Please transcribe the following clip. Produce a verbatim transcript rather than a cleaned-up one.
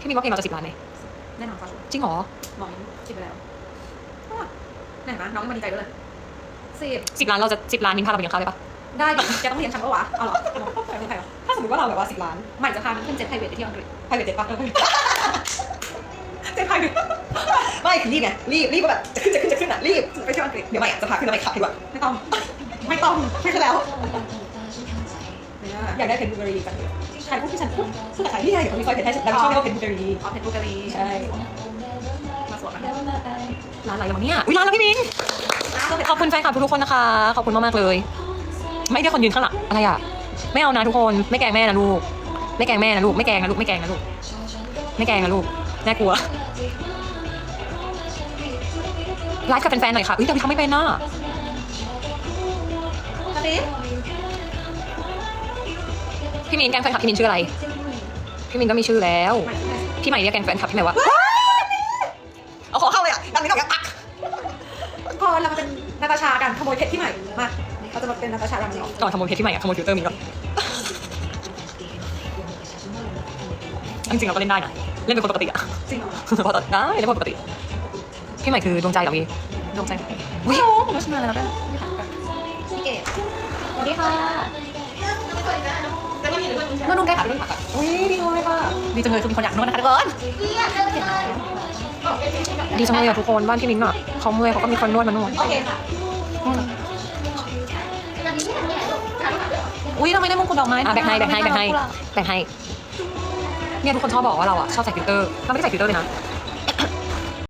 พี่มินว่าเพลงเราจะสิบล้านไหมแน่นอนค่ะจริงเหรอมองคิดไปแล้วไหนนะน้องยังมาดีใจด้วยเลยสิบสิบล้านเราจะสิบล้านมินพาเราไปกินข้าวได้ปะได้ดิแกต้องเลี้ยงฉันปะวะเอาเหรอใครเป็นใครวะถ้าสมมติว่าเราแบบว่าสิบล้านใหม่จะพามันขึ้นเจ็ตไพรเวทไปที่อังกฤษไพรเวทเจ็ตปะเจ็ตไพรเวทไม่คือรีบไงรีบรีบก็แบบจะขึ้นจะขึ้นจะขึ้นอ่ะรีบไปเที่ยวอังกฤษเดี๋ยวใหม่จะพาขึ้นแล้วไปขับดีกว่าไม่ต้องไม่ต้องไม่ใช่แล้วเนี่ยอยากได้เพนบูเบอรี่กันใครพูดที่ฉันพูดพูดกับใครที่ใครเดี๋ยวมีคอยเพนให้ฉันแล้วชอบเรียกว่าเพนบูเบอรี่อ๋อเพชรบุรีใช่มาสวนกันร้านอะไรวะเนี่ยอุ้ยร้านแล้วพี่มินขอบคุณแฟนคลับทุกๆคนนะคะขอบคุณมากๆเลย ไม่ได้คนยืนข้างหลังอะไรอ่ะไม่เอานะทุกคนไม่แกล้งแม่นะลูกไม่แกล้งแม่นะลูกไม่แกล้งนะลูกไม่แกล้งนะลูกไม่แกล้งนะลูกน่ากลัวไลฟ์กับแฟนๆหน่อยค่ะอุ้ยแต่พี่ทำไม่เป็นน่ะกระติ๊บพี่มินแกล้งแฟนคลับพี่มินชื่ออะไรพี่มินก็มีชื่อแล้วพี่ใหม่เรียกแกล้งแฟนคลับพี่ใหม่ว่าเอาขอเข้าเลยอ่ะดังนี้ก็แบบอ่ะพอเรามาเป็นนาตาชากันขโมยเพชรที่ใหม่มาเราจะมาเป็นนาตาชาดังนี้ตอนขโมยเพชรพี่ใหม่อะขโมยฟิลเตอร์มินก็จริงๆเราก็เล่นได้นะเล่นเป็นคนปกติอะจริงเหรอพอตอนได้เล่นเป็นคนปกติพี่ใหม่คือดวงใจเหรอพี่ดวงใจอุ้ยผมก็ชิมมาแล้วด้วยพี่เกดสวัสดีค่ะนวดนุ่มแก้ขาด้วยค่ะอุ้ยดีจังเลยค่ะดีจังเลยคือมีคนอยากนวดนะคะทุกคนดีจังเลยอะทุกคนบ้านพี่มินอะเขาเมื่อยเขาก็มีคนนวดมานวดโอเคค่ะอุ้ยทำไมได้มงกุฎดอกไม้อ่ะแบ่งให้แบ่งให้แบ่งให้แบ่งให้เนี่ยทุกคนชอบบอกว่าเราอะชอบใส่ฟิลเตอร์เราไม่ได้ใส่ฟิลเตอร์เลยนะ